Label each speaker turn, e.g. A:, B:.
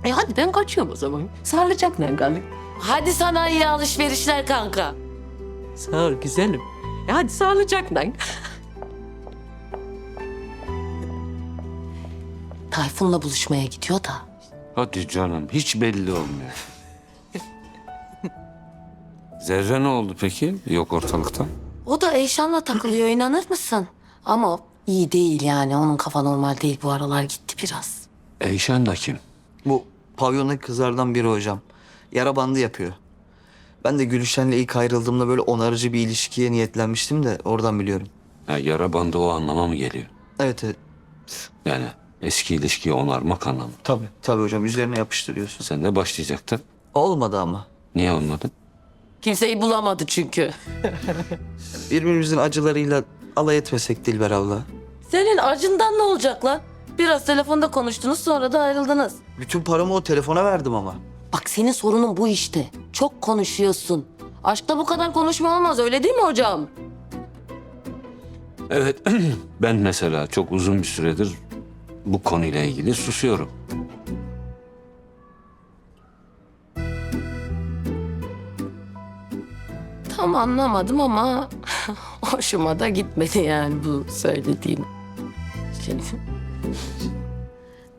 A: Hadi ben kaçıyorum o zaman. Sağlıcakla kalın.
B: Hadi sana iyi alışverişler kanka.
A: Sağ ol güzelim. Hadi sağlıcakla.
B: Tayfun'la buluşmaya gidiyor da.
C: Hadi canım, hiç belli olmuyor. Zerre ne oldu peki? Yok ortalıkta.
B: O da Eyşan'la takılıyor, inanır mısın? Ama o iyi değil yani. Onun kafa normal değil, bu aralar gitti biraz.
C: Eyşan da kim?
D: Bu pavyondaki kızlardan biri hocam. Yara bandı yapıyor. Ben de Gülüşen'le ilk ayrıldığımda böyle onarıcı bir ilişkiye niyetlenmiştim de oradan biliyorum.
C: Ha, yara bandı o anlama mı geliyor?
D: Evet evet.
C: Yani eski ilişkiyi onarmak anlamı.
D: Tabii hocam üzerine yapıştırıyorsun.
C: Sen de başlayacaktın.
D: Olmadı ama.
C: Niye olmadı?
B: Kimseyi bulamadı çünkü.
D: Birbirimizin acılarıyla alay etmesek Dilber abla.
B: Senin acından ne olacak lan? Biraz telefonda konuştunuz, sonra da ayrıldınız.
D: Bütün paramı o telefona verdim ama.
B: Bak senin sorunun bu işte. Çok konuşuyorsun. Aşkta bu kadar konuşma olmaz, öyle değil mi hocam?
C: Evet, ben mesela çok uzun bir süredir bu konuyla ilgili susuyorum.
B: Tam anlamadım ama hoşuma da gitmedi yani bu söylediğin. Şey.